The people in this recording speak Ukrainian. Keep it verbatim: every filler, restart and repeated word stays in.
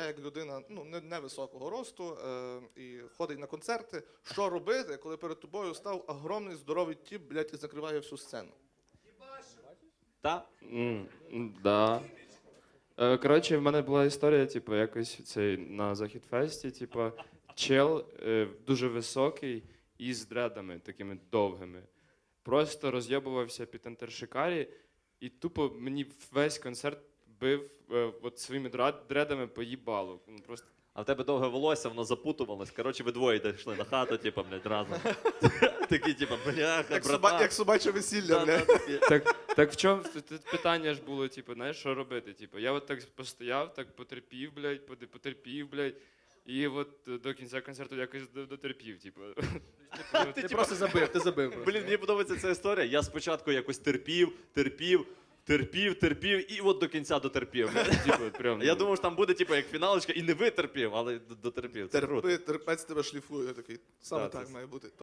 як людина ну, не- невисокого росту е, і ходить на концерти. Що робити, коли перед тобою став огромний здоровий тіп, блядь, і закриває всю сцену? Та? М, м, Да. Е, Коротше, в мене була історія, типу, якось цей на Західфесті, типу, чел е, дуже високий і з дредами такими довгими. Просто роз'єбувався під антершикарі і тупо мені весь концерт бив е, от своїми драд- дредами по їбалу. Ну, просто А в тебе довге волосся, воно запутувалось. Коротше, ви двоє йшли на хату, типу, блядь, разом. Такі, типу, бляха, Як, братан. соба, як собаче весілля, Да, да, блядь. такі. Так, так в чому тут- тут питання ж було, типу, знаєш, що робити? Типу, я от так постояв, так потерпів, блядь, поди- потерпів, блядь, і от е, до кінця концерту якось до- дотерпів, типу. Типу, Ти просто забив, ти забив. просто. Блін, мені подобається ця історія. Я спочатку якось терпів, терпів, терпів, терпів, і от до кінця дотерпів. Типу, прям, Я ну, думав, що там буде типу, як фіналочка, і не витерпів, але д- дотерпів. Це круто. Терпи, терпець тебе шліфує такий. Саме Так, так це- має бути.